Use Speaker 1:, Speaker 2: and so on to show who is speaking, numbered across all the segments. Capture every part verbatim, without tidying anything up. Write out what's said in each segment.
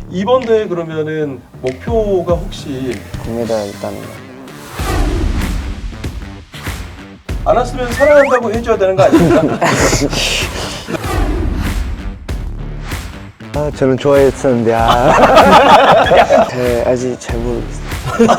Speaker 1: 이번 대회 그러면은 목표가 혹시
Speaker 2: 금메달 따는 거.
Speaker 1: 안 왔으면 사랑한다고 해줘야 되는 거 아닙니까?
Speaker 3: 아, 저는 좋아했었는데, 아.
Speaker 2: 네, 아직 잘 모르겠어요.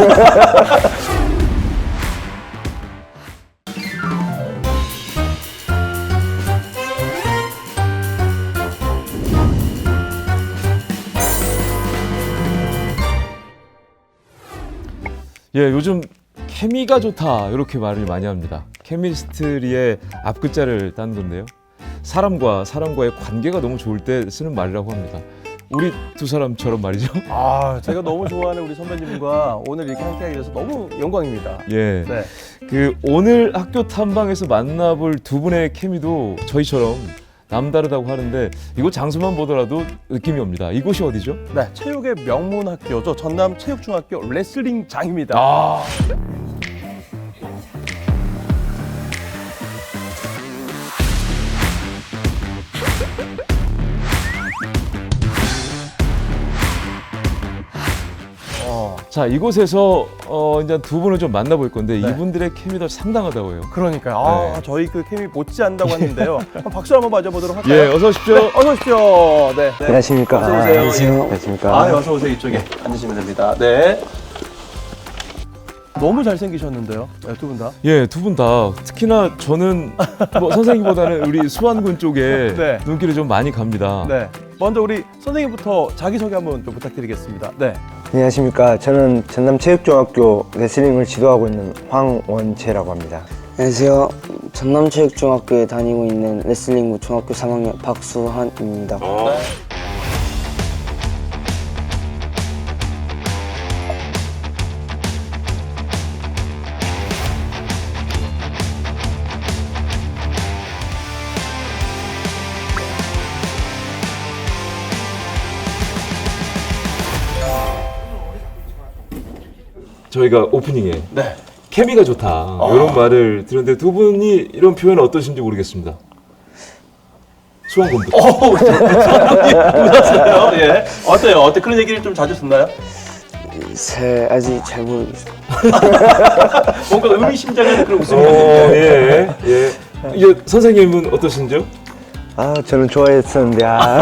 Speaker 4: 예, 요즘 케미가 좋다 이렇게 말을 많이 합니다. 케미스트리의 앞글자를 딴 건데요. 사람과 사람과의 관계가 너무 좋을 때 쓰는 말이라고 합니다. 우리 두 사람처럼 말이죠.
Speaker 1: 아, 제가 너무 좋아하는 우리 선배님과 오늘 이렇게 함께하게 돼서 너무 영광입니다.
Speaker 4: 예,
Speaker 1: 네.
Speaker 4: 그 오늘 학교 탐방에서 만나볼 두 분의 케미도 저희처럼 남다르다고 하는데 이곳 장소만 보더라도 느낌이 옵니다. 이곳이 어디죠?
Speaker 1: 네, 체육의 명문 학교죠. 전남 체육중학교 레슬링장입니다.
Speaker 4: 아,
Speaker 1: 어,
Speaker 4: 자 이곳에서 어, 이제 두 분을 좀 만나볼 건데
Speaker 1: 네.
Speaker 4: 이분들의 케미도 상당하다고 해요.
Speaker 1: 그러니까요. 아,
Speaker 4: 네.
Speaker 1: 저희 그 케미 못지 않다고 하는데요. 한번 박수 한번 맞아보도록 할까요?
Speaker 4: 예, 어서 오십시오.
Speaker 1: 네, 어서 오십시오. 네. 네.
Speaker 3: 안녕하십니까.
Speaker 1: 어서 오세요.
Speaker 3: 안녕하세요.
Speaker 1: 예.
Speaker 3: 안녕하십니까.
Speaker 1: 아, 어서 오세요. 이쪽에 앉으시면 됩니다. 네. 너무 잘생기셨는데요. 네, 두 분 다.
Speaker 4: 예, 두 분 다 특히나 저는 뭐 선생님보다는 우리 수완군 쪽에
Speaker 1: 네.
Speaker 4: 눈길이 좀 많이 갑니다.
Speaker 1: 네. 먼저 우리 선생님부터 자기소개 한번 좀 부탁드리겠습니다. 네.
Speaker 3: 안녕하십니까. 저는 전남체육중학교 레슬링을 지도하고 있는 황원채라고 합니다.
Speaker 2: 안녕하세요. 전남체육중학교에 다니고 있는 레슬링부 중학교 삼 학년 박수한입니다.
Speaker 4: 저희가 오프닝에
Speaker 1: 네.
Speaker 4: 케미가 좋다 이런 말을 들었는데 두 분이 이런 표현 어떠신지 모르겠습니다. 수완군부터.
Speaker 1: 오, 선생님 웃었어요. 예. 어때요? 어때 그런 얘기를 좀 자주 듣나요?
Speaker 2: 잘, 아직 잘 모르겠어요.
Speaker 1: 뭔가 의미심장한 그런 웃음이
Speaker 4: 어,
Speaker 1: 나는데.
Speaker 4: 예, 예. 이제 선생님은 어떠신지요?
Speaker 3: 아, 저는 좋아했었는데, 아.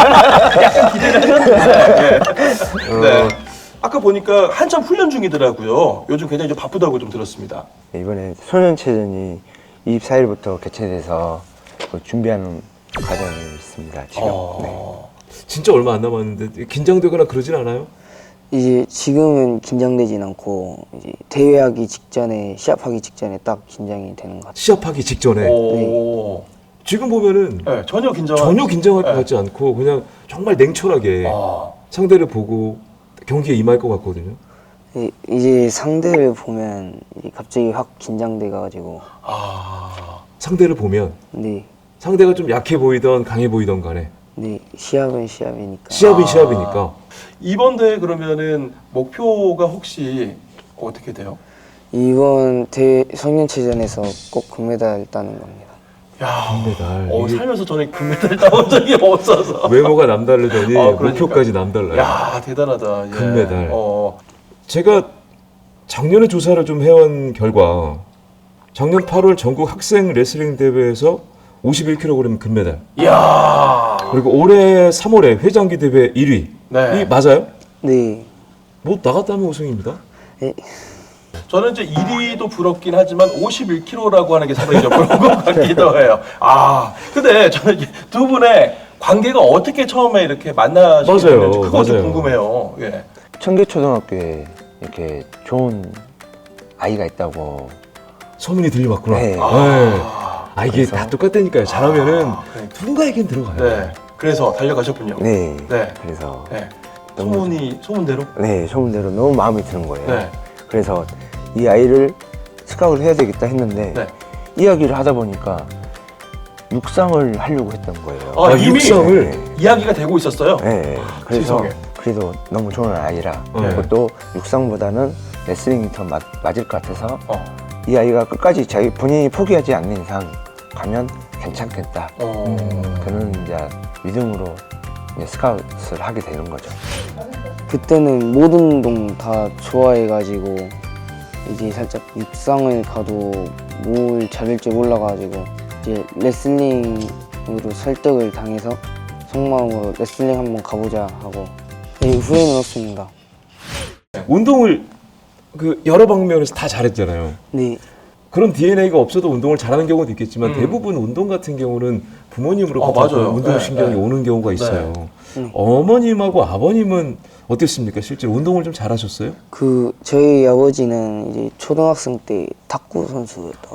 Speaker 1: 네. 아까 보니까 한참 훈련 중이더라고요. 요즘 굉장히 좀 바쁘다고 좀 들었습니다.
Speaker 3: 이번에 소년체전이 이십사 일부터 개최돼서 그 준비하는 과정이 있습니다, 지금.
Speaker 1: 어.
Speaker 4: 진짜 얼마 안 남았는데 긴장되거나 그러진 않아요?
Speaker 2: 이제 지금은 긴장되진 않고 이제 대회하기 직전에 시합하기 직전에 딱 긴장이 되는 것 같아요.
Speaker 4: 시합하기 직전에
Speaker 1: 오.
Speaker 4: 지금 보면은
Speaker 1: 네, 전혀 긴장.
Speaker 4: 전혀 긴장할 것
Speaker 1: 네.
Speaker 4: 같지 않고 그냥 정말 냉철하게
Speaker 1: 아.
Speaker 4: 상대를 보고 경기에 임할 것 같거든요.
Speaker 2: 이- 이제 상대를 보면 이제 갑자기 확 긴장돼가지고
Speaker 1: 아.
Speaker 4: 상대를 보면
Speaker 2: 네,
Speaker 4: 상대가 좀 약해 보이던 강해 보이던 간에
Speaker 2: 네 시합은 시합이니까.
Speaker 4: 시합인
Speaker 1: 아.
Speaker 4: 시합이니까
Speaker 1: 이번 대회 그러면은 목표가 혹시 어떻게 돼요?
Speaker 2: 이번 대 성년체전에서 꼭 금메달 따는 겁니다.
Speaker 1: 야.
Speaker 4: 금메달.
Speaker 1: 어,
Speaker 4: 이게
Speaker 1: 살면서 저는 금메달 따본 적이 없어서.
Speaker 4: 외모가 남다르더니
Speaker 1: 아, 그러니까.
Speaker 4: 목표까지 남달라요.
Speaker 1: 야, 대단하다. 예.
Speaker 4: 금메달.
Speaker 1: 어.
Speaker 4: 제가 작년에 조사를 좀 해온 결과 작년 팔월 전국 학생 레슬링 대회에서 오십일 킬로그램 금메달,
Speaker 1: 이야.
Speaker 4: 그리고 올해 삼월에 회장기 대회 일 위.
Speaker 1: 네.
Speaker 4: 이 맞아요?
Speaker 2: 네,
Speaker 4: 뭐 나갔다면 우승입니다.
Speaker 2: 네.
Speaker 1: 저는 이제 일 위도 부럽긴 하지만 오십일 킬로그램라고 하는 게 상당히 좀 부러운 것 같기도 해요. 아, 근데 저는 이두 분의 관계가 어떻게 처음에 이렇게 만나시게
Speaker 4: 맞아요,
Speaker 1: 됐는지 그거 좀
Speaker 4: 맞아요.
Speaker 1: 궁금해요. 예.
Speaker 3: 청계초등학교에 이렇게 좋은 아이가 있다고.
Speaker 4: 소문이 들려왔구나.
Speaker 3: 네.
Speaker 4: 네.
Speaker 1: 아,
Speaker 4: 아 이게
Speaker 3: 그래서?
Speaker 4: 다 똑같다니까요. 잘하면은
Speaker 1: 아, 그러니까.
Speaker 4: 누군가에겐 들어가요.
Speaker 1: 네. 그래서 달려가셨군요.
Speaker 3: 네.
Speaker 1: 네.
Speaker 3: 그래서,
Speaker 1: 네.
Speaker 3: 너무
Speaker 1: 소문이 소문대로.
Speaker 3: 네, 소문대로 너무 마음에 드는 거예요.
Speaker 1: 네.
Speaker 3: 그래서 이 아이를 스카우트를 해야 되겠다 했는데,
Speaker 1: 네.
Speaker 3: 이야기를 하다 보니까 육상을 하려고 했던 거예요.
Speaker 1: 아,
Speaker 4: 아,
Speaker 1: 이미
Speaker 4: 육성을?
Speaker 3: 네.
Speaker 1: 이야기가 되고 있었어요.
Speaker 3: 네, 그래서
Speaker 1: 세상에.
Speaker 3: 그래도 너무 좋은 아이라
Speaker 4: 네.
Speaker 3: 그리고 또 육상보다는 레슬링이 더 맞, 맞을 것 같아서
Speaker 1: 어.
Speaker 3: 이 아이가 끝까지 자기 본인이 포기하지 않는 이상 가면 괜찮겠다.
Speaker 1: 어.
Speaker 3: 그런 이제 믿음으로 이제 스카웃을 하게 되는 거죠.
Speaker 2: 그때는 모든 운동 다 좋아해가지고 이제 살짝 육상을 가도 뭘 잘할 줄 몰라가지고 이제 레슬링으로 설득을 당해서 속마음으로 레슬링 한번 가보자 하고 네, 후회는 없습니다.
Speaker 4: 운동을 그 여러 방면에서 다 잘했잖아요.
Speaker 2: 네,
Speaker 4: 그런 디엔에이가 없어도 운동을 잘하는 경우도 있겠지만
Speaker 1: 음.
Speaker 4: 대부분 운동 같은 경우는 부모님으로부터
Speaker 1: 어, 맞아요.
Speaker 4: 운동신경이
Speaker 1: 네, 네.
Speaker 4: 오는 경우가 있어요.
Speaker 2: 네.
Speaker 4: 어머님하고 아버님은 어땠습니까? 실제로 운동을 좀 잘하셨어요?
Speaker 2: 그 저희 아버지는 이제 초등학생 때 탁구 선수였다.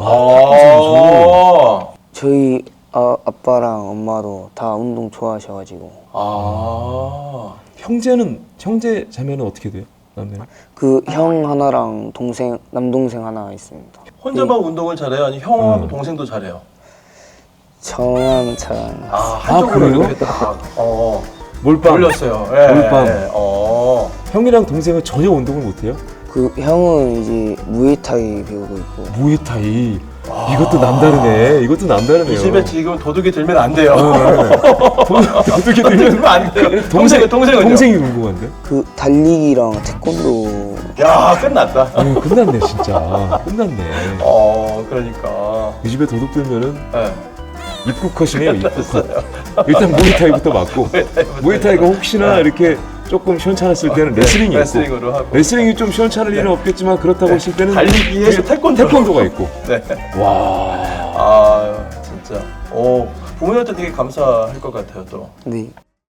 Speaker 1: 아,
Speaker 2: 저희 아, 아빠랑 엄마도 다 운동 좋아하셔가지고
Speaker 1: 아,
Speaker 4: 형제는 형제 자매는 어떻게 돼요? 남매는?
Speaker 2: 그 형 하나랑 동생 남동생 하나 있습니다.
Speaker 1: 혼자만 운동을 잘해요? 아니 형하고
Speaker 4: 음.
Speaker 1: 동생도 잘해요?
Speaker 2: 저만 잘하는
Speaker 1: 아, 한쪽으로
Speaker 4: 그래요?
Speaker 1: 이렇게 딱 어,
Speaker 4: 몰빵.
Speaker 1: 올렸어요. 예,
Speaker 4: 몰빵.
Speaker 1: 예, 어.
Speaker 4: 형이랑 동생은 전혀 운동을 못해요?
Speaker 2: 그 형은 이제 무에타이 배우고 있고
Speaker 4: 무에타이. 이것도 남다르네. 이것도 남다르네요.
Speaker 1: 이 집에 지금 도둑이 들면 안 돼요.
Speaker 4: 어떻게
Speaker 1: 들면 안 돼요.
Speaker 4: 동생
Speaker 1: 동생, 동생은요?
Speaker 4: 동생이 궁금한데?
Speaker 2: 그 달리기랑 태권도
Speaker 1: 야, 끝났다.
Speaker 4: 어, 끝났네 진짜. 끝났네.
Speaker 1: 어, 그러니까.
Speaker 4: 이 집에 도둑 들면은
Speaker 1: 예.
Speaker 4: 입국 컷이네요. 입국 컷. 일단 무에타이부터 맞고. 무에타이가 혹시나 이렇게 조금 시원찮았을 때는 레슬링이 있고.
Speaker 1: 레슬링으로 하고.
Speaker 4: 레슬링이 좀 시원찮을 일은 없겠지만 그렇다고 했을 때는
Speaker 1: 달리기에
Speaker 4: 뒤에
Speaker 1: 태권도.
Speaker 4: 태권도가 있고.
Speaker 1: 네.
Speaker 4: 와.
Speaker 1: 아, 진짜. 오, 부모님한테 되게 감사할 것 같아요, 또.
Speaker 2: 네.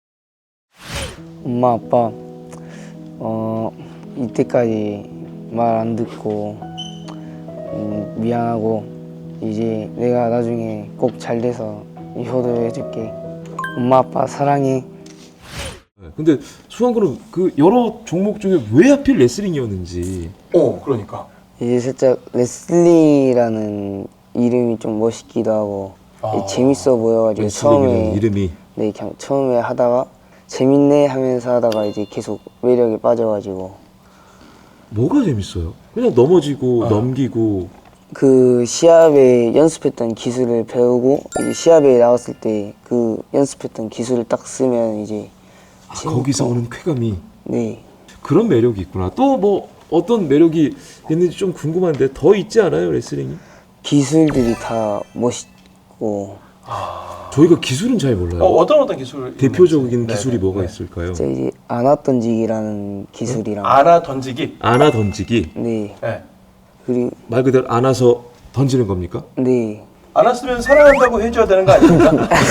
Speaker 2: 엄마 아빠 어 이때까지 말 안 듣고 음, 미안하고 이제 내가 나중에 꼭 잘 돼서 효도해줄게. 엄마 아빠 사랑해.
Speaker 4: 근데 수환군은 그 여러 종목 중에 왜 하필 레슬링이었는지.
Speaker 1: 오, 그러니까.
Speaker 2: 이제 살짝 레슬링이라는 이름이 좀 멋있기도 하고
Speaker 1: 아.
Speaker 2: 재밌어 보여가지고
Speaker 4: 레슬링이라는
Speaker 2: 처음에
Speaker 4: 이름이.
Speaker 2: 네 그냥 처음에 하다가 재밌네 하면서 하다가 이제 계속 매력에 빠져가지고
Speaker 4: 뭐가 재밌어요? 그냥 넘어지고 넘기고.
Speaker 2: 그 시합에 연습했던 기술을 배우고 이제 시합에 나갔을 때 그 연습했던 기술을 딱 쓰면 이제
Speaker 4: 아,
Speaker 2: 재밌고.
Speaker 4: 거기서 오는 쾌감이.
Speaker 2: 네
Speaker 4: 그런 매력이 있구나. 또 뭐 어떤 매력이 있는지 좀 궁금한데 더 있지 않아요 레슬링이?
Speaker 2: 기술들이 다 멋있고
Speaker 4: 저희가 기술은 잘 몰라요.
Speaker 1: 어, 어떤 어떤 기술?
Speaker 4: 대표적인
Speaker 1: 있는지.
Speaker 4: 기술이
Speaker 1: 네,
Speaker 4: 뭐가
Speaker 1: 네.
Speaker 4: 있을까요?
Speaker 2: 진짜 이제 안아 던지기라는 기술이랑
Speaker 1: 안아 던지기.
Speaker 4: 안아 던지기.
Speaker 2: 네
Speaker 1: 네.
Speaker 2: 그리고
Speaker 4: 말 그대로 안아서 던지는 겁니까?
Speaker 2: 네
Speaker 1: 안았으면 사랑한다고 해줘야 되는 거 아닙니까?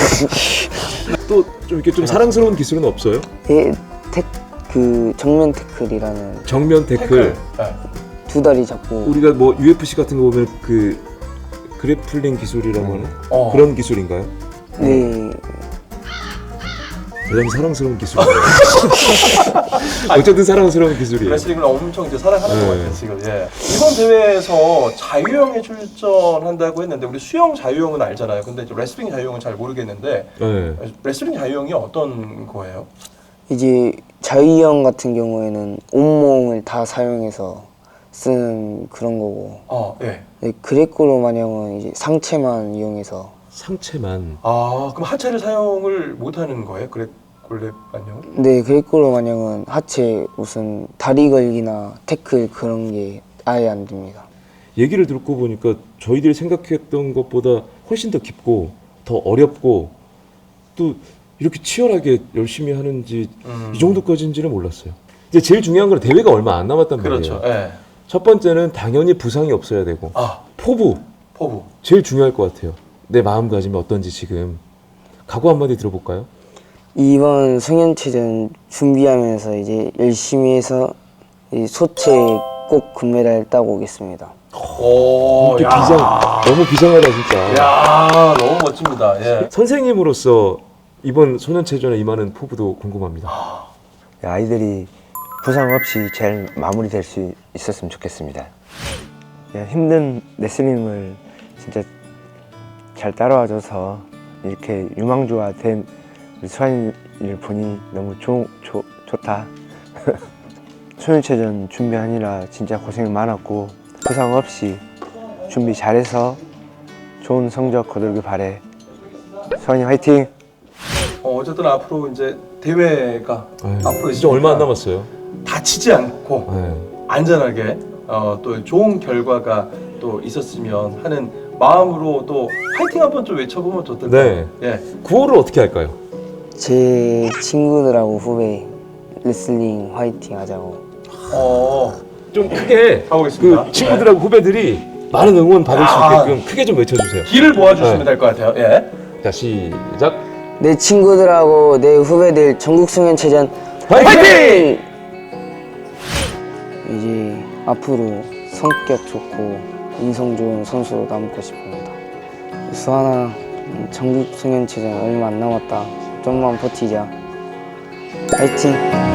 Speaker 4: 또 좀 이렇게 좀 사랑스러운 기술은 없어요?
Speaker 2: 예, 태, 그 정면 태클이라는
Speaker 4: 정면 태클.
Speaker 1: 네.
Speaker 2: 두 다리 잡고
Speaker 4: 우리가 뭐 유에프씨 같은 거 보면 그 그래플링 기술이라고 하는
Speaker 1: 어.
Speaker 4: 그런 기술인가요?
Speaker 2: 네
Speaker 4: 대단히 사랑스러운 기술이에요. 어쨌든 사랑스러운 기술이에요.
Speaker 1: 레슬링을 엄청 이제 사랑하는
Speaker 4: 네.
Speaker 1: 것 같아요 지금. 예. 이번 대회에서 자유형에 출전한다고 했는데 우리 수영 자유형은 알잖아요. 근데 이제 레슬링 자유형은 잘 모르겠는데
Speaker 4: 네.
Speaker 1: 레슬링 자유형이 어떤 거예요?
Speaker 2: 이제 자유형 같은 경우에는 온몸을 다 사용해서 쓰는 그런 거고
Speaker 1: 어, 예.
Speaker 2: 네, 그레코로마냥은 이제 상체만 이용해서
Speaker 4: 상체만.
Speaker 1: 아, 그럼 하체를 사용을 못 하는 거예요? 그래 골렙 안녕?
Speaker 2: 네 그레코로마냥은 하체 무슨 다리 걸기나 태클 그런 게 아예 안 됩니다.
Speaker 4: 얘기를 듣고 보니까 저희들이 생각했던 것보다 훨씬 더 깊고 더 어렵고 또 이렇게 치열하게 열심히 하는지
Speaker 1: 음.
Speaker 4: 이 정도까지인지는 몰랐어요. 이제 제일 중요한 건 대회가 얼마 안 남았단
Speaker 1: 그렇죠.
Speaker 4: 말이에요.
Speaker 1: 예.
Speaker 4: 첫 번째는 당연히 부상이 없어야 되고
Speaker 1: 아,
Speaker 4: 포부
Speaker 1: 포부.
Speaker 4: 제일 중요할 것 같아요. 내 마음가짐이 어떤지 지금 각오 한마디 들어볼까요?
Speaker 2: 이번 성현체전 준비하면서 이제 열심히 해서 이 소체 꼭 금메달 따고 오겠습니다.
Speaker 1: 오,
Speaker 4: 이렇게
Speaker 1: 야.
Speaker 4: 비장 너무 비장하다 진짜.
Speaker 1: 야, 너무 멋집니다. 예.
Speaker 4: 선생님으로서 이번 소년체전에 임하는 포부도 궁금합니다.
Speaker 3: 아이들이 부상 없이 잘 마무리될 수 있었으면 좋겠습니다. 야, 힘든 레슬링을 진짜 잘 따라와줘서 이렇게 유망주가 된 우리 수환이를 보니 너무 좋, 좋, 좋다. 소년체전 준비하느라 진짜 고생 많았고 부상 없이 준비 잘해서 좋은 성적 거두길 바래. 수환이 화이팅!
Speaker 1: 어, 어쨌든 앞으로 이제 대회가
Speaker 4: 네.
Speaker 1: 앞으로
Speaker 4: 진짜 얼마 안
Speaker 1: 있으니까
Speaker 4: 남았어요.
Speaker 1: 다치지 않고
Speaker 4: 네.
Speaker 1: 안전하게 어, 또 좋은 결과가 또 있었으면 하는 마음으로 또 파이팅 한번 좀 외쳐보면 좋던데.
Speaker 4: 네.
Speaker 1: 예.
Speaker 4: 구호를 어떻게 할까요?
Speaker 2: 제 친구들하고 후배 레슬링 화이팅 하자고.
Speaker 1: 어,
Speaker 4: 좀 크게
Speaker 1: 가보겠습니다.
Speaker 4: 그 친구들하고 후배들이 많은 응원 받을 수
Speaker 1: 아.
Speaker 4: 있게끔 크게 좀 외쳐주세요.
Speaker 1: 길을 모아주시면
Speaker 4: 네.
Speaker 1: 될 것 같아요. 예.
Speaker 4: 자 시작.
Speaker 2: 내 친구들하고 내 후배들 전국 송년체전
Speaker 4: 화이팅!
Speaker 2: 이제 앞으로 성격 좋고 인성 좋은 선수로 남고 싶습니다. 수아나 음, 전국 송년체전 얼마 안 남았다. 좀만 버티자. 화이팅!